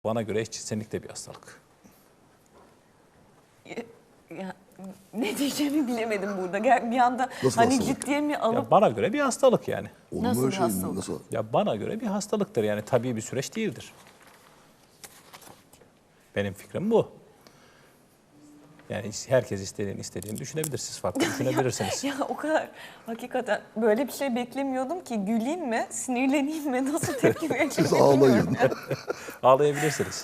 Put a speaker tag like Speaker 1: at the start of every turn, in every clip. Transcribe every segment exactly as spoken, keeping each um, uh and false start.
Speaker 1: Bana göre eşcinsellik de bir hastalık.
Speaker 2: Ya, ne diyeceğimi bilemedim burada. Bir anda
Speaker 3: Nasıl
Speaker 2: hani
Speaker 3: hastalık?
Speaker 2: ciddiye mi alıp...
Speaker 1: Ya bana göre bir hastalık yani.
Speaker 3: Olur
Speaker 2: Nasıl
Speaker 3: mu öyle
Speaker 2: bir
Speaker 3: şey?
Speaker 2: hastalık?
Speaker 3: Nasıl?
Speaker 1: Ya bana göre bir hastalıktır yani tabii bir süreç değildir. Benim fikrim bu. Yani herkes istediğini istediğini düşünebilir. Siz farklı düşünebilirsiniz.
Speaker 2: Ya o kadar hakikaten böyle bir şey beklemiyordum ki güleyim mi, sinirleneyim mi, nasıl tepki vereceğimi
Speaker 3: Siz
Speaker 2: bilmiyorum.
Speaker 3: ağlayın.
Speaker 1: Ağlayabilirsiniz.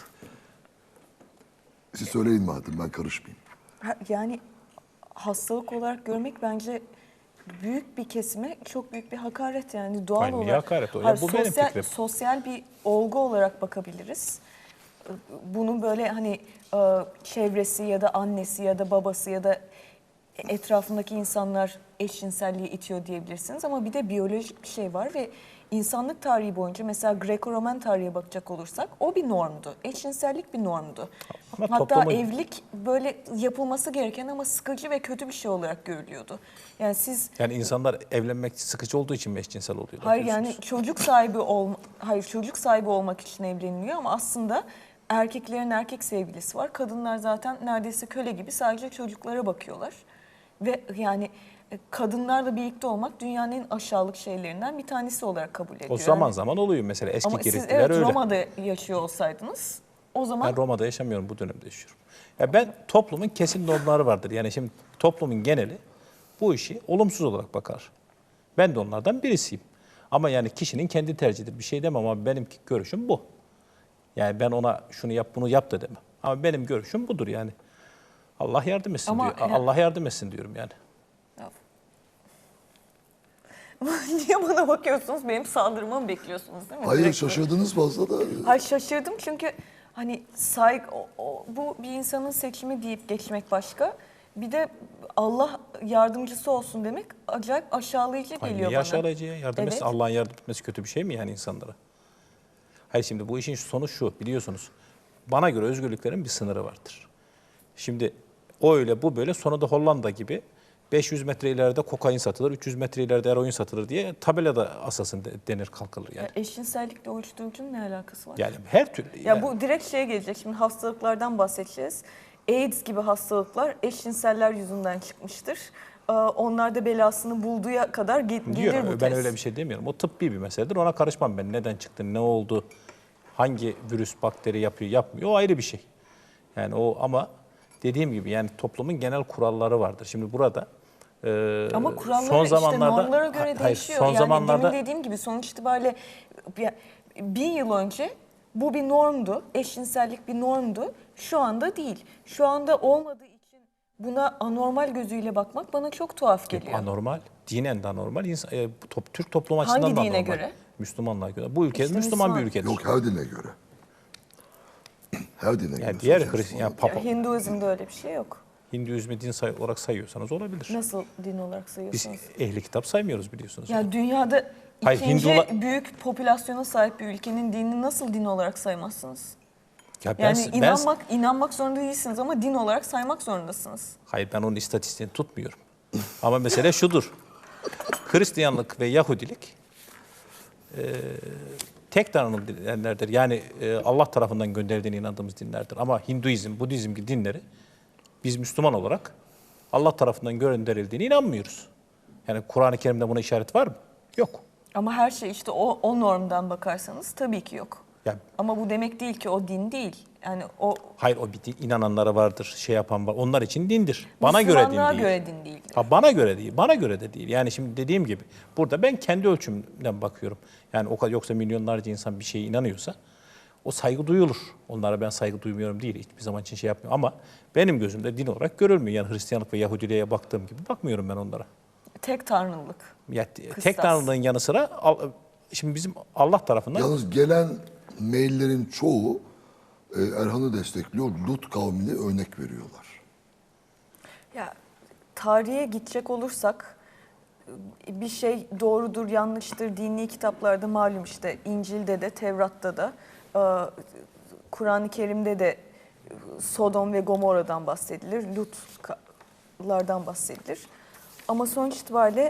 Speaker 3: Siz söyleyin madem, ben karışmayayım.
Speaker 2: Ha, Yani hastalık olarak görmek bence büyük bir kesime çok büyük bir hakaret yani doğal
Speaker 1: Hayır, niye
Speaker 2: olarak.
Speaker 1: hakaret o? Ya
Speaker 2: Hayır,
Speaker 1: bu benim
Speaker 2: sosyal,
Speaker 1: fikrim.
Speaker 2: sosyal bir olgu olarak bakabiliriz. Bunun böyle hani e, çevresi ya da annesi ya da babası ya da etrafındaki insanlar eşcinselliği itiyor diyebilirsiniz. Ama bir de biyolojik bir şey var ve insanlık tarihi boyunca mesela Greco-Roman tarihe bakacak olursak o bir normdu. Eşcinsellik bir normdu.
Speaker 1: Ama
Speaker 2: Hatta
Speaker 1: toplumun-
Speaker 2: evlilik böyle yapılması gereken ama sıkıcı ve kötü bir şey olarak görülüyordu. Yani siz
Speaker 1: Yani insanlar evlenmek sıkıcı olduğu için mi eşcinsel oluyorlar?
Speaker 2: hayır yani
Speaker 1: diyorsunuz?
Speaker 2: çocuk sahibi ol hayır çocuk sahibi olmak için evleniliyor ama aslında erkeklerin erkek sevgilisi var. Kadınlar zaten neredeyse köle gibi sadece çocuklara bakıyorlar. Ve yani e, kadınlarla birlikte olmak dünyanın en aşağılık şeylerinden bir tanesi olarak kabul ediliyor.
Speaker 1: O zaman
Speaker 2: Yani-
Speaker 1: zaman oluyor mesela eski
Speaker 2: ama siz
Speaker 1: Giritliler
Speaker 2: evet
Speaker 1: öyle.
Speaker 2: Roma'da yaşıyor olsaydınız o zaman
Speaker 1: Ben Roma'da yaşamıyorum, bu dönemde yaşıyorum. Ya ben toplumun kesin normları vardır. Yani şimdi toplumun geneli bu işi olumsuz olarak bakar. Ben de onlardan birisiyim. Ama yani kişinin kendi tercihidir. Bir şey demem ama benim görüşüm bu. Yani ben ona şunu yap bunu yap da demem. Ama benim görüşüm budur yani. Allah yardım etsin
Speaker 2: Ama
Speaker 1: diyor.
Speaker 2: ya-
Speaker 1: Allah yardım etsin diyorum yani.
Speaker 2: niye bana bakıyorsunuz? Benim saldırmamı mı bekliyorsunuz değil mi?
Speaker 3: Hayır,
Speaker 2: Direkt
Speaker 3: şaşırdınız fazla da.
Speaker 2: Hayır şaşırdım çünkü hani saygı, o- o- bu bir insanın seçimi deyip geçmek başka. Bir de Allah yardımcısı olsun demek acayip aşağılayıcı
Speaker 1: Hayır,
Speaker 2: geliyor
Speaker 1: niye
Speaker 2: bana.
Speaker 1: aşağılayıcı ya? Yardım
Speaker 2: Evet.
Speaker 1: etsin. Allah'ın yardım etmesi kötü bir şey mi yani insanlara? Hayır, şimdi bu işin sonu şu, biliyorsunuz. Bana göre özgürlüklerin bir sınırı vardır. Şimdi o öyle bu böyle, sonra da Hollanda gibi beş yüz metre ileride kokain satılır, üç yüz metre ileride eroin satılır diye tabelada asasın de- denir kalkılır yani.
Speaker 2: Ya eşcinsellikle uyuşturucunun ne alakası var?
Speaker 1: Yani her türlü.
Speaker 2: Ya
Speaker 1: yani.
Speaker 2: bu direkt şeye gelecek. Şimdi hastalıklardan bahsedeceğiz. AIDS gibi hastalıklar eşcinseller yüzünden çıkmıştır. Ee, Onlar da belasını bulduğu kadar ge- gelir
Speaker 1: Diyor,
Speaker 2: bu
Speaker 1: ben
Speaker 2: test.
Speaker 1: öyle bir şey demiyorum. O tıbbi bir meseledir. Ona karışmam ben. Neden çıktı, ne oldu, hangi virüs, bakteri yapıyor, yapmıyor. O ayrı bir şey. Yani o ama dediğim gibi yani toplumun genel kuralları vardır. Şimdi burada e,
Speaker 2: Ama kurallar
Speaker 1: son
Speaker 2: işte
Speaker 1: zamanlarda
Speaker 2: normlara göre
Speaker 1: hayır,
Speaker 2: değişiyor.
Speaker 1: son
Speaker 2: Yani
Speaker 1: zamanlarda
Speaker 2: demin dediğim gibi sonuç itibariyle ya, bin yıl önce bu bir normdu. Eşcinsellik bir normdu. Şu anda değil. Şu anda olmadığı için buna anormal gözüyle bakmak bana çok tuhaf geliyor.
Speaker 1: anormal, dinen de anormal. İnsan, e, bu top, Türk toplumu açısından
Speaker 2: Hangi
Speaker 1: da
Speaker 2: dine
Speaker 1: anormal.
Speaker 2: göre?
Speaker 1: Müslümanlığa göre. Bu ülke
Speaker 2: İşte
Speaker 1: Müslüman
Speaker 2: Müslüman.
Speaker 1: bir ülkedir.
Speaker 3: Yok, her dine göre. Her dine göre.
Speaker 1: Yani diğer
Speaker 3: söyleyeceğim
Speaker 1: Hristiyan, yani
Speaker 3: sana.
Speaker 1: Papa,
Speaker 2: Ya, Hinduizm'de öyle bir şey yok.
Speaker 1: Hinduizmi din say olarak sayıyorsanız olabilir.
Speaker 2: Nasıl din olarak
Speaker 1: Biz
Speaker 2: sayıyorsunuz?
Speaker 1: ehli kitap saymıyoruz biliyorsunuz.
Speaker 2: Ya dünyada
Speaker 1: Hayır,
Speaker 2: ikinci
Speaker 1: Hindula-
Speaker 2: büyük popülasyona sahip bir ülkenin dinini nasıl din olarak saymazsınız?
Speaker 1: Ya ben,
Speaker 2: Yani
Speaker 1: ben-
Speaker 2: inanmak inanmak zorunda değilsiniz ama din olarak saymak zorundasınız.
Speaker 1: hayır, ben onun istatistiğini tutmuyorum. Ama mesele şudur. Hristiyanlık ve Yahudilik e, tek tanrılı dinlerdir. Yani e, Allah tarafından gönderildiğine inandığımız dinlerdir. Ama Hinduizm, Budizm gibi dinleri biz Müslüman olarak Allah tarafından gönderildiğine inanmıyoruz. Yani Kur'an-ı Kerim'de buna işaret var mı? Yok.
Speaker 2: Ama her şey işte o, o normdan bakarsanız tabii ki yok.
Speaker 1: Ya,
Speaker 2: Ama bu demek değil ki o din değil. Yani o
Speaker 1: hayır, o bir din, inananları vardır, şey yapan var. Onlar için dindir. Bana göre din
Speaker 2: Müslümanlığa
Speaker 1: değil.
Speaker 2: göre din değil.
Speaker 1: Ha, bana göre değil, bana göre de değil. Yani şimdi dediğim gibi burada ben kendi ölçümden bakıyorum. Yani o kadar, yoksa milyonlarca insan bir şeye inanıyorsa o saygı duyulur. Onlara ben saygı duymuyorum değil, hiçbir zaman için şey yapmıyorum. Ama benim gözümde din olarak görülmüyor. Yani Hristiyanlık ve Yahudiliğe baktığım gibi bakmıyorum ben onlara.
Speaker 2: Tek tanrılık.
Speaker 1: Ya, tek
Speaker 2: Kıstas.
Speaker 1: tanrılığın yanı sıra al- şimdi bizim Allah tarafından
Speaker 3: Yalnız gelen maillerin çoğu e, Erhan'ı destekliyor. Lut kavmini örnek veriyorlar.
Speaker 2: Ya tarihe gidecek olursak bir şey doğrudur, yanlıştır dini kitaplarda malum işte İncil'de de, Tevrat'ta da, e, Kur'an-ı Kerim'de de Sodom ve Gomorra'dan bahsedilir, Lut'lardan bahsedilir. Ama sonuç itibariyle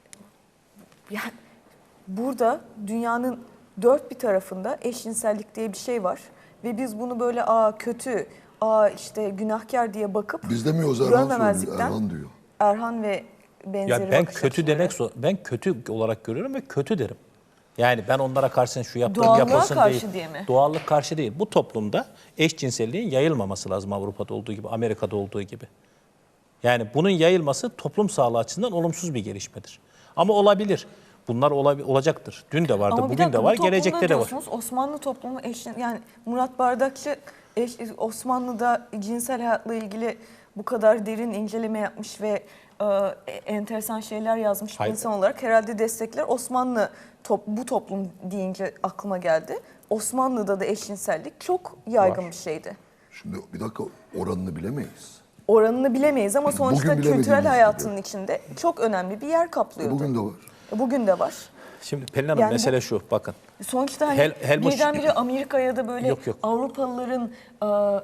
Speaker 2: yani burada dünyanın dört bir tarafında eşcinsellik diye bir şey var ve biz bunu böyle aa kötü, aa işte günahkar diye bakıp
Speaker 3: Biz demiyoruz, Erhan söylüyor.
Speaker 2: görmemezlikten
Speaker 3: Erhan diyor.
Speaker 2: Erhan ve benzeri
Speaker 1: Ya ben
Speaker 2: bakış
Speaker 1: kötü
Speaker 2: açıları.
Speaker 1: demek zor- ben kötü olarak görüyorum ve kötü derim. Yani ben onlara karşı şu yaptığım
Speaker 2: Doğallığa
Speaker 1: yapılsın
Speaker 2: karşı
Speaker 1: değil.
Speaker 2: diye mi?
Speaker 1: Doğallık karşı değil. Bu toplumda eşcinselliğin yayılmaması lazım Avrupa'da olduğu gibi, Amerika'da olduğu gibi. Yani bunun yayılması toplum sağlığı açısından olumsuz bir gelişmedir. Ama olabilir. Bunlar olabi- olacaktır. Dün de vardı,
Speaker 2: Ama bir
Speaker 1: bugün
Speaker 2: dakika,
Speaker 1: de
Speaker 2: bu
Speaker 1: var,
Speaker 2: toplumda
Speaker 1: gelecekte de var.
Speaker 2: diyorsunuz, Osmanlı toplumu eşin, yani Murat Bardakçı eş, Osmanlı'da cinsel hayatla ilgili bu kadar derin inceleme yapmış ve e, enteresan şeyler yazmış bir
Speaker 1: Hayır.
Speaker 2: insan olarak herhalde destekler. Osmanlı top, bu toplum deyince aklıma geldi. Osmanlı'da da eşcinsellik çok yaygın
Speaker 1: Var.
Speaker 2: bir şeydi.
Speaker 3: Şimdi bir dakika, oranını bilemeyiz.
Speaker 2: Oranını bilemeyiz ama sonuçta
Speaker 3: Bugün
Speaker 2: kültürel
Speaker 3: bilemediğimiz
Speaker 2: hayatının
Speaker 3: gibi.
Speaker 2: içinde çok önemli bir yer kaplıyordu.
Speaker 3: Bugün de var.
Speaker 2: Bugün de var.
Speaker 1: Şimdi Pelin Hanım
Speaker 2: Yani bu-
Speaker 1: mesele şu, bakın.
Speaker 2: Sonuçta hani
Speaker 1: Hel- Helmut-
Speaker 2: birdenbire Amerika'ya da böyle
Speaker 1: Yok, yok.
Speaker 2: Avrupalıların e,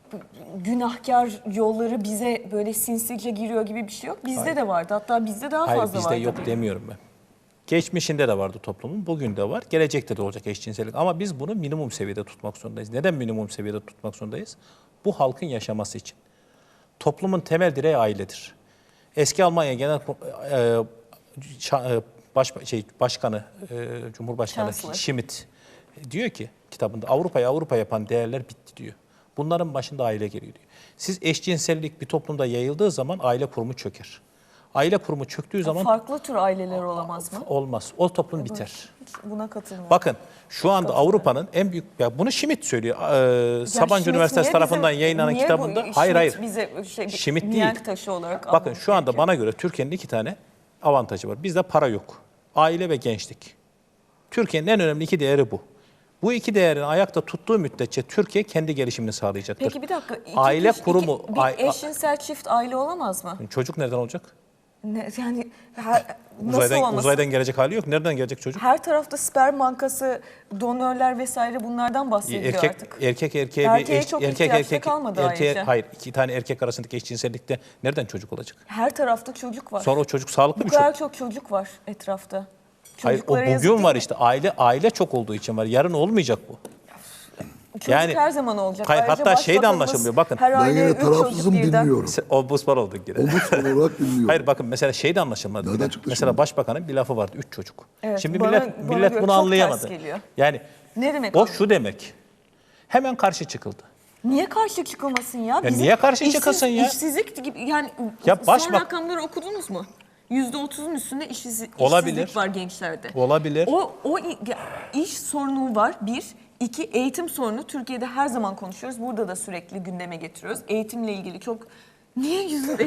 Speaker 2: günahkar yolları bize böyle sinsice giriyor gibi bir şey yok. Bizde
Speaker 1: Hayır.
Speaker 2: de vardı. Hatta bizde daha
Speaker 1: Hayır
Speaker 2: fazla
Speaker 1: bizde
Speaker 2: vardı.
Speaker 1: yok demiyorum ben. Geçmişinde de vardı toplumun, bugün de var, gelecekte de olacak eşcinsellik. Ama biz bunu minimum seviyede tutmak zorundayız. Neden minimum seviyede tutmak zorundayız? Bu halkın yaşaması için. Toplumun temel direği ailedir. Eski Almanya Genel e, şa- e, baş, şey, Başkanı, e, Cumhurbaşkanı
Speaker 2: Chancellor.
Speaker 1: Schmidt diyor ki kitabında Avrupa'yı Avrupa yapan değerler bitti diyor. Bunların başında aile geliyor diyor. Siz eşcinsellik bir toplumda yayıldığı zaman aile kurumu çöker. Aile kurumu çöktüğü zaman
Speaker 2: Farklı tür aileler olamaz mı?
Speaker 1: olmaz. O toplum biter.
Speaker 2: Hiç buna katılmıyorum.
Speaker 1: Bakın şu anda Avrupa'nın en büyük, ya bunu Schmidt söylüyor. Ee,
Speaker 2: Ya
Speaker 1: Sabancı
Speaker 2: Schmidt
Speaker 1: Üniversitesi
Speaker 2: niye
Speaker 1: tarafından
Speaker 2: bizim-
Speaker 1: yayınlanan
Speaker 2: niye bu
Speaker 1: kitabında.
Speaker 2: Schmidt
Speaker 1: Hayır hayır.
Speaker 2: bize şey, bir
Speaker 1: Schmidt
Speaker 2: mihenk
Speaker 1: değil.
Speaker 2: taşı olarak
Speaker 1: Bakın
Speaker 2: almamız
Speaker 1: şu anda
Speaker 2: gerekiyor.
Speaker 1: bana göre Türkiye'nin iki tane avantajı var. Bizde para yok. Aile ve gençlik. Türkiye'nin en önemli iki değeri bu. Bu iki değerin ayakta tuttuğu müddetçe Türkiye kendi gelişimini sağlayacaktır.
Speaker 2: Peki bir dakika. iki
Speaker 1: Aile
Speaker 2: kişi-
Speaker 1: kurumu,
Speaker 2: iki- bir
Speaker 1: ay-
Speaker 2: eşcinsel çift aile olamaz mı?
Speaker 1: Çocuk nereden olacak?
Speaker 2: Ne, yani her, nasıl
Speaker 1: Uzaydan,
Speaker 2: olmasın?
Speaker 1: uzaydan gelecek hali yok. Nereden gelecek çocuk?
Speaker 2: Her tarafta sperm bankası, donörler vesaire bunlardan bahsediliyor
Speaker 1: Erkek
Speaker 2: artık.
Speaker 1: erkek erkeğe
Speaker 2: Erkeğe
Speaker 1: bir eş-
Speaker 2: çok
Speaker 1: erkek
Speaker 2: ihtiyaç da
Speaker 1: erkek
Speaker 2: kalmadı
Speaker 1: erkeğe
Speaker 2: ayrıca.
Speaker 1: hayır iki tane erkek arasındaki eşcinsellikte nereden çocuk olacak?
Speaker 2: Her tarafta çocuk var.
Speaker 1: Sonra o çocuk sağlıklı
Speaker 2: Bu
Speaker 1: bir
Speaker 2: kadar
Speaker 1: çocuk.
Speaker 2: çok çocuk var etrafta.
Speaker 1: Hayır o
Speaker 2: Çocuklara yazık
Speaker 1: bugün
Speaker 2: değil
Speaker 1: var
Speaker 2: mi?
Speaker 1: işte aile aile çok olduğu için var. Yarın olmayacak bu.
Speaker 2: Çocuk
Speaker 1: yani-
Speaker 2: her zaman olacak.
Speaker 1: Hayır,
Speaker 2: Ayrıca
Speaker 1: hatta şey de
Speaker 2: başbakanımız
Speaker 1: anlaşılmıyor, bakın.
Speaker 2: Her
Speaker 3: Ben
Speaker 2: aileye
Speaker 3: yine
Speaker 2: üç çocuk
Speaker 3: tarafsızım,
Speaker 2: birden-
Speaker 3: dinliyorum.
Speaker 1: O buzpar olduk yine.
Speaker 3: Ombudsman olarak dinliyorum.
Speaker 1: Hayır bakın mesela şey de anlaşılmadı.
Speaker 3: Nereden
Speaker 1: bile.
Speaker 3: çıktı
Speaker 1: Mesela
Speaker 3: şimdi?
Speaker 1: başbakanın bir lafı vardı. Üç çocuk.
Speaker 2: Evet,
Speaker 1: Şimdi
Speaker 2: bana-
Speaker 1: millet
Speaker 2: bana
Speaker 1: millet
Speaker 2: göre
Speaker 1: bunu
Speaker 2: çok
Speaker 1: anlayamadı.
Speaker 2: ters geliyor.
Speaker 1: Yani
Speaker 2: Ne demek
Speaker 1: o
Speaker 2: o?
Speaker 1: şu demek. Hemen karşı çıkıldı.
Speaker 2: Niye karşı çıkılmasın ya? Bizim
Speaker 1: niye karşı
Speaker 2: işsiz-
Speaker 1: çıkılsın ya?
Speaker 2: İşsizlik gibi yani
Speaker 1: Ya
Speaker 2: son
Speaker 1: başbak-
Speaker 2: rakamları okudunuz mu? yüzde otuzun üstünde işsiz,
Speaker 1: Olabilir.
Speaker 2: işsizlik var gençlerde.
Speaker 1: Olabilir.
Speaker 2: O, o i- ya, iş sorunu var bir. İki, eğitim sorunu. Türkiye'de her zaman konuşuyoruz. Burada da sürekli gündeme getiriyoruz. Eğitimle ilgili çok... Niye yüzünde...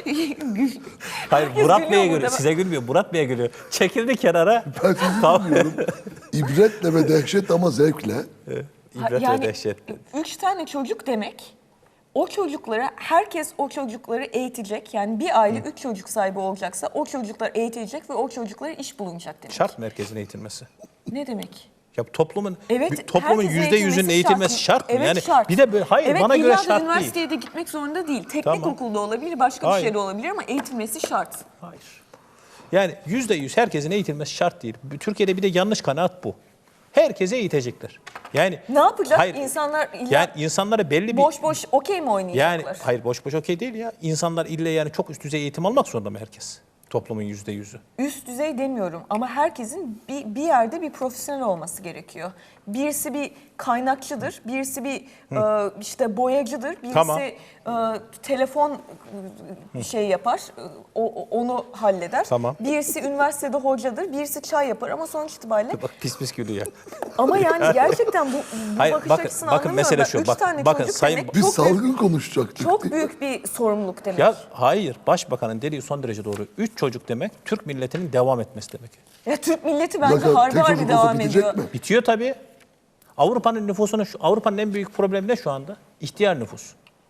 Speaker 1: Hayır
Speaker 2: Herkes
Speaker 1: Murat
Speaker 2: gülüyor
Speaker 1: Bey'e
Speaker 2: burada.
Speaker 1: gülüyor. Size gülmüyor. Murat Bey'e gülüyor. Çekildi kenara.
Speaker 3: Ben sizi
Speaker 1: Tamam.
Speaker 3: dinliyorum. İbretle ve dehşet ama zevkle.
Speaker 2: Ha,
Speaker 1: İbret
Speaker 2: yani
Speaker 1: ve dehşet.
Speaker 2: üç tane çocuk demek, o çocuklara, herkes o çocukları eğitecek. Yani bir aile üç çocuk sahibi olacaksa o çocuklar eğitilecek ve o çocuklara iş bulunacak demek.
Speaker 1: Şart merkezin eğitilmesi.
Speaker 2: Ne demek?
Speaker 1: Ya toplumun
Speaker 2: Evet,
Speaker 1: bir toplumun
Speaker 2: herkesin
Speaker 1: yüzde yüzünün eğitilmesi şart mı?
Speaker 2: Evet,
Speaker 1: Yani
Speaker 2: şart.
Speaker 1: bir de böyle hayır
Speaker 2: Evet,
Speaker 1: bana
Speaker 2: illa
Speaker 1: göre
Speaker 2: da
Speaker 1: şart değil.
Speaker 2: üniversiteye de gitmek zorunda değil. Teknik
Speaker 1: Tamam.
Speaker 2: okulda olabilir, başka
Speaker 1: Hayır.
Speaker 2: bir şeyde olabilir ama eğitilmesi şart.
Speaker 1: Hayır. Yani yüzde yüz herkesin eğitilmesi şart değil. Türkiye'de bir de yanlış kanaat bu. Herkese eğitecekler. Yani
Speaker 2: Ne yapacak?
Speaker 1: Hayır.
Speaker 2: İnsanlar illa
Speaker 1: Yani insanlara belli bir
Speaker 2: boş boş okey mi oynayacaklar?
Speaker 1: yani hayır boş boş okey değil ya. İnsanlar ille yani çok üst düzey eğitim almak zorunda mı herkes? Toplumun yüzde yüzü.
Speaker 2: Üst düzey demiyorum ama herkesin bir, bir yerde bir profesyonel olması gerekiyor. Birisi bir kaynakçıdır, birisi bir e, işte boyacıdır, birisi
Speaker 1: Tamam.
Speaker 2: e, telefon e, şey yapar, e, o, o- onu halleder.
Speaker 1: Tamam.
Speaker 2: Birisi üniversitede hocadır, birisi çay yapar ama sonuç itibariyle.
Speaker 1: Bak pis pis gülüyor.
Speaker 2: Ama yani gerçekten bu, bu
Speaker 1: Hayır,
Speaker 2: bakış
Speaker 1: bakın-
Speaker 2: açısını
Speaker 1: bakın
Speaker 2: anlamıyorum.
Speaker 1: mesele
Speaker 2: Ben.
Speaker 1: şu,
Speaker 2: Üç
Speaker 1: bak-
Speaker 2: tane
Speaker 1: bakın
Speaker 2: çocuk
Speaker 1: sayın-
Speaker 2: demek
Speaker 3: Biz
Speaker 2: çok
Speaker 3: salgın
Speaker 2: büyük,
Speaker 3: konuşacaktık.
Speaker 2: çok
Speaker 3: diye.
Speaker 2: büyük bir sorumluluk demek.
Speaker 1: Ya hayır başbakanın dediği son derece doğru. Üç çocuk demek Türk milletinin devam etmesi demek.
Speaker 2: Ya Türk milleti
Speaker 3: Bir
Speaker 2: bence
Speaker 3: dakika,
Speaker 2: harbi
Speaker 3: tek
Speaker 2: harbi
Speaker 3: çocuk olsa
Speaker 2: devam
Speaker 3: bitecek
Speaker 2: ediyor.
Speaker 3: mi?
Speaker 1: Bitiyor tabii. Avrupa'nın nüfusunu şu- Avrupa'nın en büyük problemi ne şu anda? İhtiyar nüfus.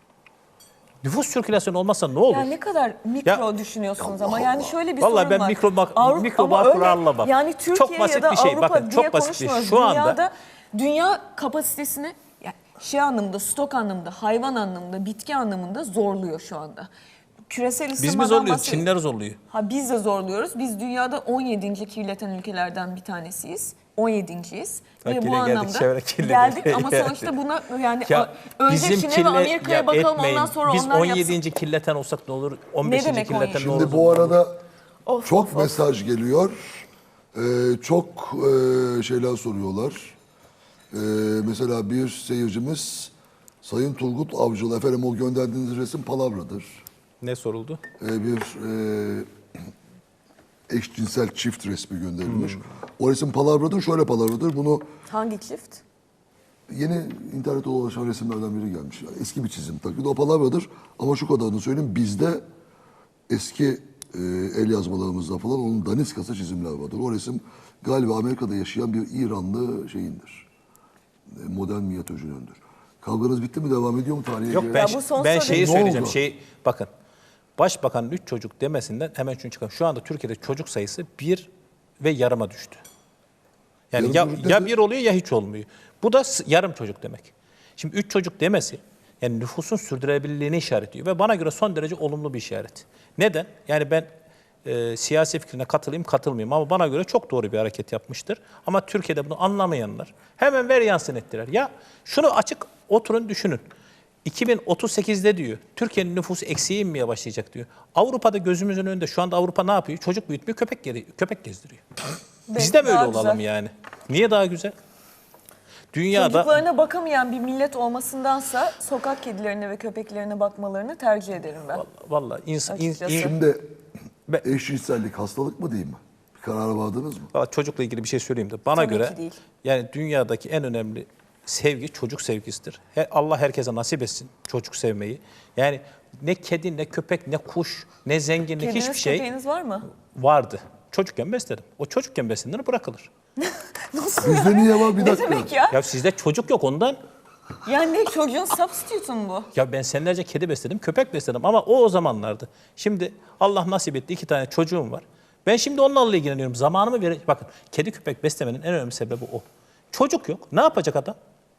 Speaker 1: Nüfus sirkülasyonu olmazsa ne olur?
Speaker 2: Ya ne kadar mikro
Speaker 1: Ya-
Speaker 2: düşünüyorsunuz ama yani şöyle bir
Speaker 1: Vallahi
Speaker 2: sorun
Speaker 1: ben
Speaker 2: var.
Speaker 1: mikro bak-
Speaker 2: Avrupa-
Speaker 1: mikro
Speaker 2: ama
Speaker 1: makro
Speaker 2: öyle-
Speaker 1: anlamam.
Speaker 2: Yani
Speaker 1: Çok
Speaker 2: Türkiye
Speaker 1: basit
Speaker 2: ya da
Speaker 1: bir şey.
Speaker 2: Avrupa
Speaker 1: Bakın,
Speaker 2: diye
Speaker 1: çok basit bir şey.
Speaker 2: konuşmuyoruz.
Speaker 1: Şu anda-
Speaker 2: Dünyada dünya kapasitesini yani şey anlamda, stok anlamında, hayvan anlamında, bitki anlamında zorluyor şu anda. Küresel
Speaker 1: Biz mi
Speaker 2: ısınmadan
Speaker 1: zorluyoruz?
Speaker 2: bahsediyoruz.
Speaker 1: Çinliler zorluyor.
Speaker 2: Ha biz de zorluyoruz. Biz dünyada on yedinci kirleten ülkelerden bir tanesiyiz. on yedinciyiz.
Speaker 1: Bak
Speaker 2: Ve bu
Speaker 1: yine geldik
Speaker 2: anlamda
Speaker 1: çevre kirliliği.
Speaker 2: geldik ama sonuçta buna yani
Speaker 1: Ya
Speaker 2: önce
Speaker 1: bizim
Speaker 2: Çin'e
Speaker 1: kirle-
Speaker 2: ve Amerika'ya
Speaker 1: ya
Speaker 2: bakalım
Speaker 1: etmeyin.
Speaker 2: ondan sonra
Speaker 1: Biz
Speaker 2: onlar
Speaker 1: on
Speaker 2: yapsın.
Speaker 1: yedinci kirleten olsak ne olur? on beşinci
Speaker 2: demek on yedi?
Speaker 1: kirleten ne olur?
Speaker 3: Şimdi bu arada
Speaker 2: Of,
Speaker 3: çok
Speaker 2: of, of.
Speaker 3: mesaj geliyor. Ee, çok e, şeyler soruyorlar. Ee, mesela bir seyircimiz Sayın Turgut Avcılı, efendim o gönderdiğiniz resim palavradır.
Speaker 1: Ne soruldu?
Speaker 3: Ee, bir e, eşcinsel çift resmi gönderilmiş. O resim palavradır, şöyle palavradır. Bunu
Speaker 2: Hangi çift?
Speaker 3: yeni internette dolaşan resimlerden biri gelmiş. Yani eski bir çizim tabii. de O palavradır ama şu kadarını söyleyeyim. Bizde eski e, el yazmalarımızda falan onun daniskası çizimler vardır. O resim galiba Amerika'da yaşayan bir İranlı şeyindir. E, modern minyatürcünündür. Kavganız bitti mi? Devam ediyor mu tarihe?
Speaker 1: Yok
Speaker 3: göre?
Speaker 1: ben,
Speaker 2: Ya bu son
Speaker 1: ben
Speaker 2: soru-
Speaker 1: şeyi
Speaker 3: Ne
Speaker 1: söyleyeceğim.
Speaker 3: oldu?
Speaker 1: Şey, bakın başbakanın üç çocuk demesinden hemen şunu çıkalım. Şu anda Türkiye'de çocuk sayısı bir ve yarıma düştü. Yani
Speaker 3: Yarım
Speaker 1: ya,
Speaker 3: çocuk
Speaker 1: ya
Speaker 3: dedi.
Speaker 1: bir oluyor ya hiç olmuyor. Bu da s- yarım çocuk demek. Şimdi üç çocuk demesi yani nüfusun sürdürülebilirliğini işaretliyor ve bana göre son derece olumlu bir işaret. Neden? Yani ben e, siyasi fikrine katılayım katılmayayım ama bana göre çok doğru bir hareket yapmıştır. Ama Türkiye'de bunu anlamayanlar hemen ver yansın ettiler. Ya şunu açık oturun düşünün. iki bin otuz sekizde diyor Türkiye'nin nüfusu eksiğe inmeye başlayacak diyor. Avrupa'da gözümüzün önünde şu anda Avrupa ne yapıyor? Çocuk büyütmüyor, köpek geri, köpek gezdiriyor. Biz de böyle
Speaker 2: Daha
Speaker 1: olalım
Speaker 2: güzel.
Speaker 1: yani. Niye daha güzel? Dünyada
Speaker 2: Çocuklarına bakamayan bir millet olmasındansa sokak kedilerine ve köpeklerine bakmalarını tercih ederim ben.
Speaker 1: vallahi insan in,
Speaker 2: Açıkçası.
Speaker 1: in-
Speaker 3: Şimdi
Speaker 1: Be-
Speaker 3: eşcinsellik hastalık mı değil mi? Bir karara vardınız mı?
Speaker 1: Vallahi çocukla ilgili bir şey söyleyeyim de bana
Speaker 2: Tabii
Speaker 1: göre
Speaker 2: ki değil.
Speaker 1: yani dünyadaki en önemli sevgi çocuk sevgisidir. He- Allah herkese nasip etsin çocuk sevmeyi. Yani ne kedi, ne köpek, ne kuş, ne zenginlik
Speaker 2: Kediniz,
Speaker 1: hiçbir şey
Speaker 2: köpeğiniz var mı?
Speaker 1: vardı. Çocukken besledim. O çocukken beslenir bırakılır.
Speaker 2: Nasıl
Speaker 3: Bizde niye var? Bir
Speaker 2: Ne
Speaker 3: dakika.
Speaker 2: demek ya?
Speaker 1: Ya sizde çocuk yok ondan.
Speaker 2: Yani ne çocuğun substitute'u mu bu?
Speaker 1: Ya ben senelerce kedi besledim, köpek besledim ama o o zamanlardı. Şimdi Allah nasip etti iki tane çocuğum var. Ben şimdi onlarla ilgileniyorum. Zamanımı ver. Bakın kedi köpek beslemenin en önemli sebebi o. Çocuk yok. Ne yapacak adam?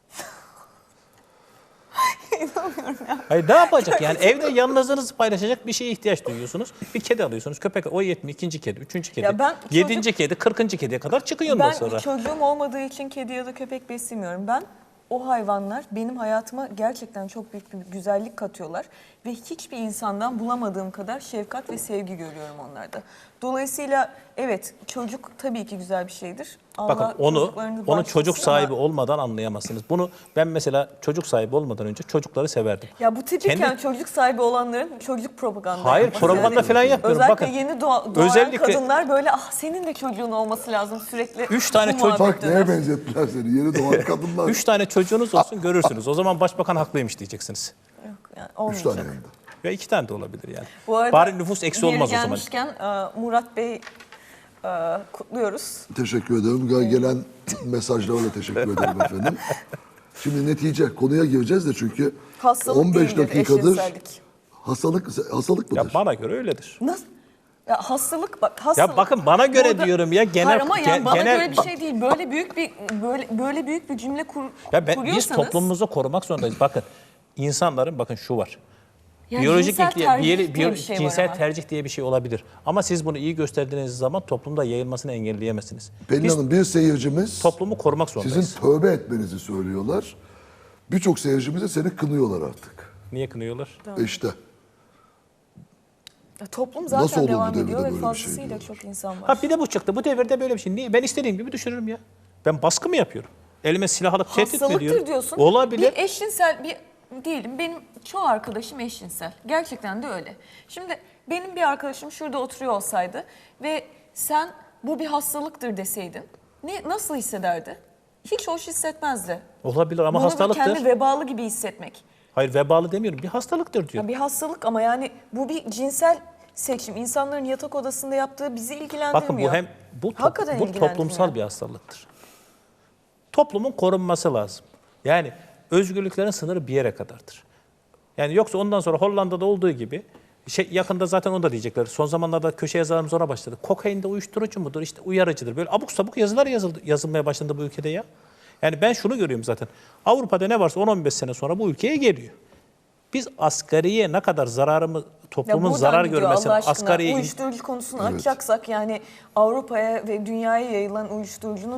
Speaker 1: Hayır ne yapacak yani evde yalnızlığınızı paylaşacak bir şeye ihtiyaç duyuyorsunuz. Bir kedi alıyorsunuz köpek o yetmiyor ikinci kedi, üçüncü kedi,
Speaker 2: Ya ben çocuk-
Speaker 1: yedinci kedi, kırkıncı kediye kadar çıkıyor ondan
Speaker 2: Ben
Speaker 1: sonra.
Speaker 2: çocuğum olmadığı için kedi ya da köpek beslemiyorum. Ben o hayvanlar benim hayatıma gerçekten çok büyük bir güzellik katıyorlar. Ve hiçbir insandan bulamadığım kadar şefkat ve sevgi görüyorum onlarda. Dolayısıyla evet çocuk tabii ki güzel bir şeydir. Allah
Speaker 1: Bakın onu
Speaker 2: çocuklarınızı
Speaker 1: onu
Speaker 2: bağışlasın
Speaker 1: çocuk
Speaker 2: ama-
Speaker 1: sahibi olmadan anlayamazsınız. Bunu ben mesela çocuk sahibi olmadan önce çocukları severdim.
Speaker 2: Ya bu tipiken
Speaker 1: Kendi-
Speaker 2: çocuk sahibi olanların çocuk propaganda
Speaker 1: Hayır,
Speaker 2: yapması.
Speaker 1: propaganda falan yapmıyorum.
Speaker 2: Özellikle
Speaker 1: Bakın,
Speaker 2: yeni doğa, doğan
Speaker 1: özellikle-
Speaker 2: kadınlar böyle ah senin de çocuğun olması lazım sürekli.
Speaker 1: Üç tane
Speaker 2: bu
Speaker 1: çocuk-
Speaker 3: Bak
Speaker 2: muhabbet
Speaker 3: neye
Speaker 2: döner.
Speaker 3: benzettiler seni? Yeni doğan kadınlar.
Speaker 1: Üç tane çocuğunuz olsun görürsünüz. O zaman başbakan haklıymış diyeceksiniz.
Speaker 2: Yok, yani
Speaker 3: Üç
Speaker 2: olmayacak.
Speaker 3: tane hem de.
Speaker 1: Ve iki tane de olabilir yani.
Speaker 2: Bu arada
Speaker 1: Bari nüfus eksi
Speaker 2: yeri
Speaker 1: olmaz o zaman.
Speaker 2: gelmişken e, Murat Bey e, kutluyoruz.
Speaker 3: Teşekkür ederim. Gel- Gelen mesajlara da teşekkür ederim efendim. Şimdi netice konuya gireceğiz de çünkü
Speaker 2: Hastalık
Speaker 3: on beş
Speaker 2: değildir
Speaker 3: dakikadır
Speaker 2: eşcinsellik.
Speaker 3: hastalık hastalık mıdır?
Speaker 1: Ya bana göre öyledir.
Speaker 2: Nasıl? Ya hastalık bak hastalık.
Speaker 1: Ya bakın bana göre
Speaker 2: Burada-
Speaker 1: diyorum ya genel
Speaker 2: Hayır ama yani
Speaker 1: gen-
Speaker 2: bana
Speaker 1: genel
Speaker 2: göre bir şey değil. Böyle büyük bir böyle böyle büyük bir cümle kur,
Speaker 1: Ya ben, biz
Speaker 2: kuruyorsanız.
Speaker 1: toplumumuzu korumak zorundayız. Bakın insanların bakın şu var.
Speaker 2: Yani
Speaker 1: Biyolojik
Speaker 2: cinsel
Speaker 1: ilk-
Speaker 2: tercih
Speaker 1: biyolo-
Speaker 2: diye
Speaker 1: biyo-
Speaker 2: bir şey var
Speaker 1: cinsel
Speaker 2: ama.
Speaker 1: tercih diye bir şey olabilir. Ama siz bunu iyi gösterdiğiniz zaman toplumda yayılmasını engelleyemezsiniz.
Speaker 3: Pelin
Speaker 1: Biz
Speaker 3: Hanım bir seyircimiz
Speaker 1: toplumu korumak zorundayız.
Speaker 3: sizin tövbe etmenizi söylüyorlar. Birçok seyircimiz de seni kınıyorlar artık.
Speaker 1: Niye kınıyorlar?
Speaker 3: İşte
Speaker 2: Ya toplum zaten
Speaker 3: Nasıl olur bu
Speaker 2: devam
Speaker 3: devirde
Speaker 2: ediyor ve
Speaker 3: böyle bir şey
Speaker 2: fazlasıyla
Speaker 3: diyorlar?
Speaker 2: çok insan var.
Speaker 1: Ha bir de bu çıktı. Bu devirde böyle bir şey. Niye? Ben istediğim gibi düşürürüm ya. Ben baskı mı yapıyorum? Elime silah alıp tehdit mi
Speaker 2: Hastalıktır
Speaker 1: ediyorum?
Speaker 2: diyorsun.
Speaker 1: Olabilir.
Speaker 2: Bir eşcinsel bir diyelim benim çoğu arkadaşım eşcinsel. Gerçekten de öyle. Şimdi benim bir arkadaşım şurada oturuyor olsaydı ve sen bu bir hastalıktır deseydin ne nasıl hissederdi? Hiç hoş hissetmezdi.
Speaker 1: Olabilir ama
Speaker 2: Bunu bir
Speaker 1: hastalıktır.
Speaker 2: kendi vebalı gibi hissetmek.
Speaker 1: Hayır vebalı demiyorum. Bir hastalıktır diyor.
Speaker 2: Ya bir hastalık ama yani bu bir cinsel seçim. İnsanların yatak odasında yaptığı bizi ilgilendirmiyor.
Speaker 1: Bakın bu hem bu, top-
Speaker 2: Hakikaten
Speaker 1: bu
Speaker 2: ilgilendirmiyor.
Speaker 1: toplumsal bir hastalıktır. Toplumun korunması lazım. Yani özgürlüklerin sınırı bir yere kadardır. Yani yoksa ondan sonra Hollanda'da olduğu gibi şey yakında zaten onu da diyecekler. Son zamanlarda köşe yazarımız ona başladı. Kokain de uyuşturucu mudur? İşte uyarıcıdır. Böyle abuk sabuk yazılar yazıldı, yazılmaya başlandı bu ülkede ya. Yani ben şunu görüyorum zaten. Avrupa'da ne varsa on on beş sene sonra bu ülkeye geliyor. Biz asgariye ne kadar zararımız,
Speaker 2: Ya
Speaker 1: toplumun
Speaker 2: buradan
Speaker 1: zarar
Speaker 2: gidiyor
Speaker 1: görmesine,
Speaker 2: Allah aşkına.
Speaker 1: asgariye
Speaker 2: Uyuşturucu konusunu açacaksak yani Avrupa'ya ve dünyaya yayılan uyuşturucunun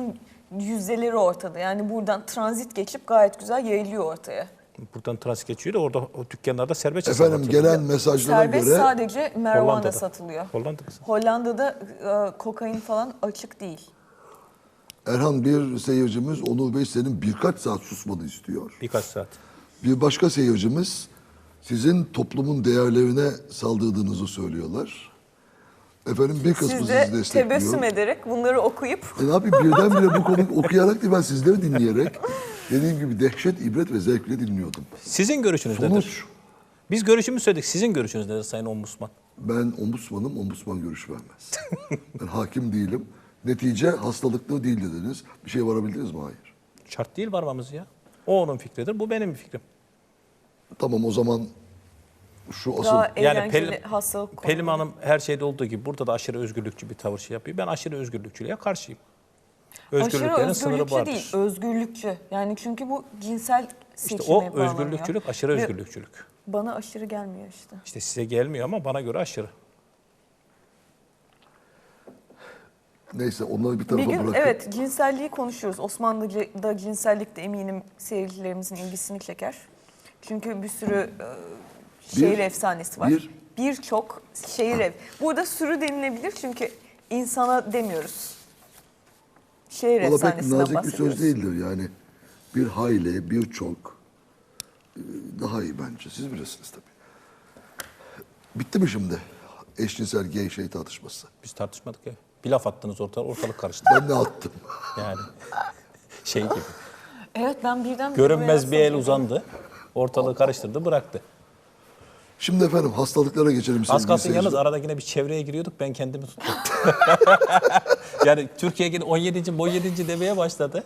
Speaker 2: yüzdeleri ortada. Yani buradan transit geçip gayet güzel yayılıyor ortaya.
Speaker 1: Buradan transit geçiyor da orada o dükkanlarda serbestçe
Speaker 3: Efendim
Speaker 1: satılıyor.
Speaker 3: gelen mesajlara
Speaker 2: Serbest
Speaker 3: göre
Speaker 2: sadece marijuana
Speaker 1: Hollanda'da.
Speaker 2: satılıyor.
Speaker 1: Hollanda'da.
Speaker 2: Hollanda'da e, kokain falan açık değil.
Speaker 3: Erhan bir seyircimiz Onur Bey senin birkaç saat susmanı istiyor.
Speaker 1: Birkaç saat.
Speaker 3: Bir başka seyircimiz sizin toplumun değerlerine saldırdığınızı söylüyorlar. Efendim bir kısmı
Speaker 2: Siz
Speaker 3: sizi
Speaker 2: de
Speaker 3: destekliyor.
Speaker 2: tebessüm ederek bunları okuyup
Speaker 3: E ne yapayım birdenbire bu konuyu okuyarak değil ben sizleri dinleyerek dediğim gibi dehşet, ibret ve zevkle dinliyordum.
Speaker 1: Sizin görüşünüz nedir?
Speaker 3: Sonuç
Speaker 1: Biz görüşümüzü söyledik. Sizin görüşünüz nedir Sayın Ombudsman?
Speaker 3: ben ombudsmanım, ombudsman görüş vermez. Ben hakim değilim. Netice hastalıklı değil dediniz. Bir şey varabildiniz mi? Hayır.
Speaker 1: Şart değil varmamız ya. O onun fikridir, bu benim fikrim.
Speaker 3: Tamam o zaman şu asıl
Speaker 2: daha
Speaker 1: Yani
Speaker 2: eğlenceli
Speaker 1: Pelin,
Speaker 2: hastalık
Speaker 1: Pelin
Speaker 2: konuları.
Speaker 1: Hanım her şeyde olduğu gibi burada da aşırı özgürlükçü bir tavır şey yapıyor. Ben aşırı özgürlükçülüğe karşıyım.
Speaker 2: Aşırı
Speaker 1: Özgürlüklerin sınırı
Speaker 2: özgürlükçü
Speaker 1: vardır.
Speaker 2: değil, özgürlükçü. Yani çünkü bu cinsel
Speaker 1: İşte
Speaker 2: seçime
Speaker 1: o
Speaker 2: bağlanıyor.
Speaker 1: özgürlükçülük aşırı
Speaker 2: Ve
Speaker 1: özgürlükçülük.
Speaker 2: Bana aşırı gelmiyor işte.
Speaker 1: İşte size gelmiyor ama bana göre aşırı.
Speaker 3: neyse onları bir
Speaker 2: Bir
Speaker 3: tarafa
Speaker 2: gün
Speaker 3: bırakıp
Speaker 2: evet cinselliği konuşuyoruz. Osmanlıca'da cinsellik de eminim seyircilerimizin ilgisini çeker. Çünkü bir sürü e, şehir
Speaker 3: Bir-
Speaker 2: efsanesi var.
Speaker 3: bir-
Speaker 2: Birçok şehir ev. Burada sürü denilebilir çünkü insana demiyoruz. Şehir
Speaker 3: valla pek
Speaker 2: efsanesinden
Speaker 3: nazik bir
Speaker 2: bahsediyoruz.
Speaker 3: söz değildir yani. Bir hayli, birçok e, daha iyi bence. Siz bilirsiniz tabii. Bitti mi şimdi? Eşcinsel gay şey tartışması.
Speaker 1: Biz tartışmadık ya. Bir laf attınız ortalık, ortalık karıştı.
Speaker 3: Ben ne attım?
Speaker 1: Yani şey gibi.
Speaker 2: Evet ben birden
Speaker 1: Görünmez bir el uzandı. Ortalığı karıştırdı, bıraktı.
Speaker 3: Şimdi efendim hastalıklara geçelim.
Speaker 1: Az
Speaker 3: sevgili
Speaker 1: kalsın
Speaker 3: seyirciler.
Speaker 1: yalnız arada yine bir çevreye giriyorduk. Ben kendimi tuttum. Yani Türkiye yine on yedinci on yedinci demeye başladı.